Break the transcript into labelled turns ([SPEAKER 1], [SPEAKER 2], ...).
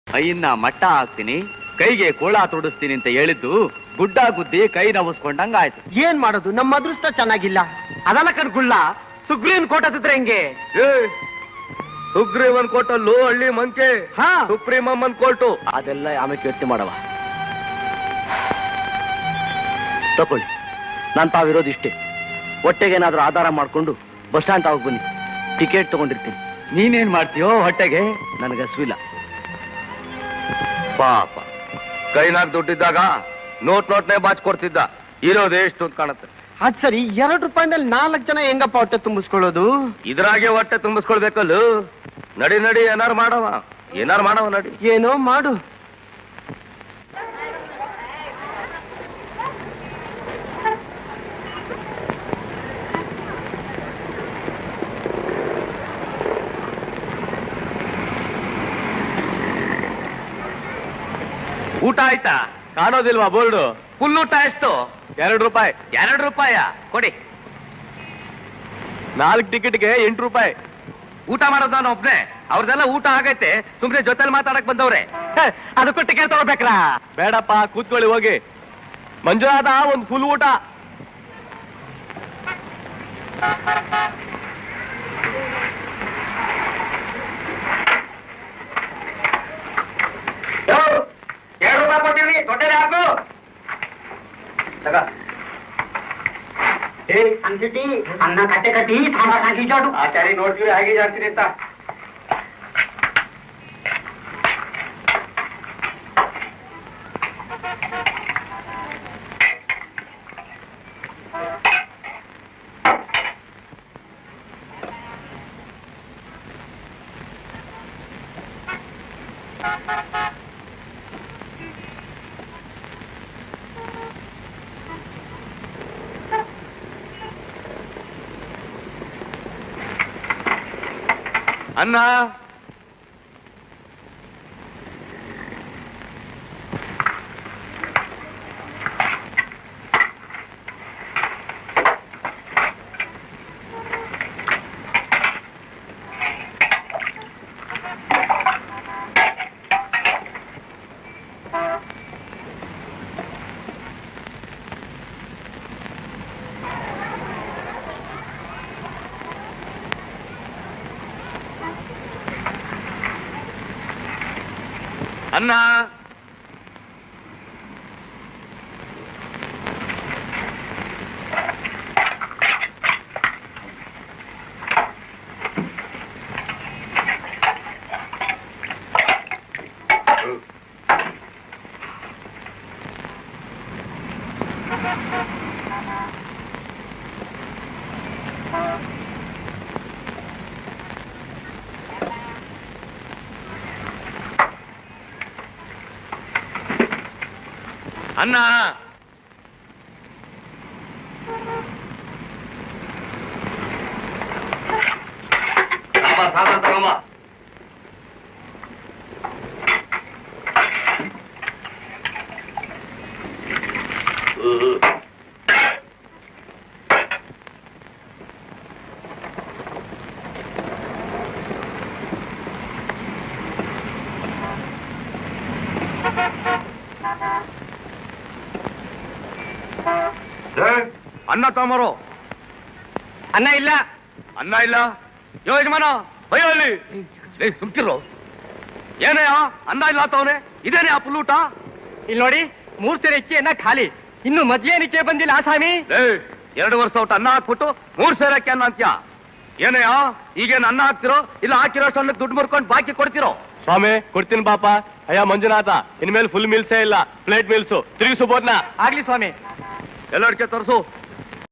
[SPEAKER 1] ಕೈಯನ್ನ ಮಟ್ಟ ಹಾಕ್ತೀನಿ, ಕೈಗೆ ಕೋಳ ತೊಡಿಸ್ತೀನಿ ಅಂತ ಹೇಳಿದ್ದು ಗುಡ್ಡ ಗುದ್ದಿ ಕೈ ನವಸ್ಕೊಂಡಂಗ ಆಯ್ತು.
[SPEAKER 2] ಏನ್ ಮಾಡೋದು, ನಮ್ಮ ಅದೃಷ್ಟ ಚೆನ್ನಾಗಿಲ್ಲ. ಅದಲ್ಲ ಕಣ್ಗುಳ್ಳ, ಸುಗ್ರೀವನ್ ಕೋಟ ಹತ್ತಿದ್ರೆ ಹೆಂಗೆ?
[SPEAKER 3] ಸುಗ್ರೀವನ್ ಕೋಟಲ್ಲೂ ಹಳ್ಳಿ ಮಂಕೆ,
[SPEAKER 2] ಹಾ
[SPEAKER 3] ಸುಪ್ರೀಂ ಅಮ್ಮನ್ ಕೋರ್ಟು.
[SPEAKER 1] ಅದೆಲ್ಲ ಆಮೇಲೆ ಯೋಚನೆ ಮಾಡವ. ತಕೊಳ್ಳಿ, ನಾನ್ ತಾವಿರೋದು ಇಷ್ಟೇ. ಹೊಟ್ಟೆಗೇನಾದ್ರೂ ಆಧಾರ ಮಾಡ್ಕೊಂಡು ಬಸ್ ಸ್ಟ್ಯಾಂಡ್ ತಾವಾಗ ಬನ್ನಿ, ಟಿಕೆಟ್ ತಗೊಂಡಿರ್ತೀನಿ. ನೀನೇನ್ ಮಾಡ್ತೀಯೋ ಹೊಟ್ಟೆಗೆ? ನನಗೆ ಹಸುವಿಲ್ಲ.
[SPEAKER 3] ಪಾಪ ಕೈನಾಗ ದುಡ್ಡಿದ್ದಾಗ ನೋಟ್ನೇ ಬಾಚ್ ಕೊಡ್ತಿದ್ದ. ಇರೋದು ಎಷ್ಟು ಅಂತ ಕಾಣುತ್ತೆ.
[SPEAKER 2] ಅದ್ ಸರಿ, 2 ರೂಪಾಯಿನಲ್ಲಿ 4 ಜನ ಹೆಂಗಪ್ಪ ಹೊಟ್ಟೆ ತುಂಬಿಸ್ಕೊಳ್ಳೋದು?
[SPEAKER 3] ಇದ್ರಾಗೆ ಹೊಟ್ಟೆ ತುಂಬಿಸ್ಕೊಳ್ಬೇಕಲ್ಲ. ನಡಿ ನಡಿ, ಏನಾರು ಮಾಡವ ನಡಿ.
[SPEAKER 2] ಏನೋ ಮಾಡು.
[SPEAKER 3] ಊಟ ಆಯ್ತಾ? ಕಾಣೋದಿಲ್ವಾ ಬೋರ್ಡು? ಫುಲ್ ಊಟ ಎಷ್ಟು? 2 ರೂಪಾಯಿ. 2 ರೂಪಾಯ ಕೊಡಿ. 4 ಟಿಕೆಟ್ಗೆ 8 ರೂಪಾಯಿ. ಊಟ ಮಾಡೋದು ನಾನು ಒಬ್ನೇ, ಅವ್ರದೆಲ್ಲ ಊಟ ಆಗೈತೆ. ಸುಮ್ನೆ ಜೊತೆಲಿ ಮಾತಾಡಕ್ ಬಂದವ್ರೆ.
[SPEAKER 2] ಅದಕ್ಕೂ ಟಿಕೆಟ್ ತಗೋಬೇಕ್ರಾ?
[SPEAKER 3] ಬೇಡಪ್ಪ, ಕೂತ್ಕೊಳ್ಳಿ ಹೋಗಿ. ಮಂಜುನಾಥ, ಒಂದು ಫುಲ್ ಊಟ.
[SPEAKER 2] ಅನ್ನ ಕಟ್ಟೆ ಕಟ್ಟಿ ಸಾಂಬಾರ್ ಹಾಕಿ ಜಾಡು.
[SPEAKER 3] ಆಚಾರಿ ನೋಡ್ತೀವಿ ಹಾಗೆ ಜಾಡ್ತೀರಿ ಅಂತ. ಅನ್ನ ಅನ್ನ ಅನ್ನ ಸಾಮಾನ್ ತಗೊಂಬ. ಅನ್ನ ತಗೊಂಬರು.
[SPEAKER 2] ಅನ್ನ ಇಲ್ಲ.
[SPEAKER 3] ಅನ್ನ ಇಲ್ಲ? ಯಜಮಾನ ಭಯ ಅಲ್ಲಿ ಸುಮ್ಕಿರೋ. ಏನಯ್ಯ ಅನ್ನ ಇಲ್ಲ ತವನೆ? ಇದೇನೇ ಆ ಪುಲ್ಲೂಟ?
[SPEAKER 2] ಇಲ್ಲಿ ನೋಡಿ, 3 ಸೇರೆ ಅಕ್ಕಿ ಅನ್ನ ಖಾಲಿ. ಇನ್ನು ಮಜ್ಜಿಗೆ ನಿಚ್ಚೆ ಬಂದಿಲ್ಲ ಸ್ವಾಮಿ.
[SPEAKER 3] 2 ವರ್ಷ ಊಟ ಅನ್ನ ಹಾಕ್ಬಿಟ್ಟು 3 ಸೇರೆ ಅಕ್ಕಿ ಅನ್ನ ಅಂತ್ಯ. ಏನಯ್ಯ, ಈಗೇನು ಅನ್ನ ಹಾಕ್ತಿರೋ ಇಲ್ಲ ಹಾಕಿರೋಷ್ಟು ಅನ್ನಕ್ಕೆ ದುಡ್ಡು ಮುರ್ಕೊಂಡು ಬಾಕಿ ಕೊಡ್ತಿರೋ?
[SPEAKER 4] ಸ್ವಾಮಿ ಕೊಡ್ತೀನಿ ಪಾಪ. ಅಯ್ಯ ಮಂಜುನಾಥ, ಇನ್ಮೇಲೆ ಫುಲ್ ಮೀಲ್ಸೇ ಇಲ್ಲ, ಪ್ಲೇಟ್ ಮೀಲ್ಸು ತಿರುಗಿಸು ಬೋದ್ನ.
[SPEAKER 2] ಆಗ್ಲಿ ಸ್ವಾಮಿ.
[SPEAKER 3] ಎಲ್ಲರಿಗೆ ತೋರಿಸು.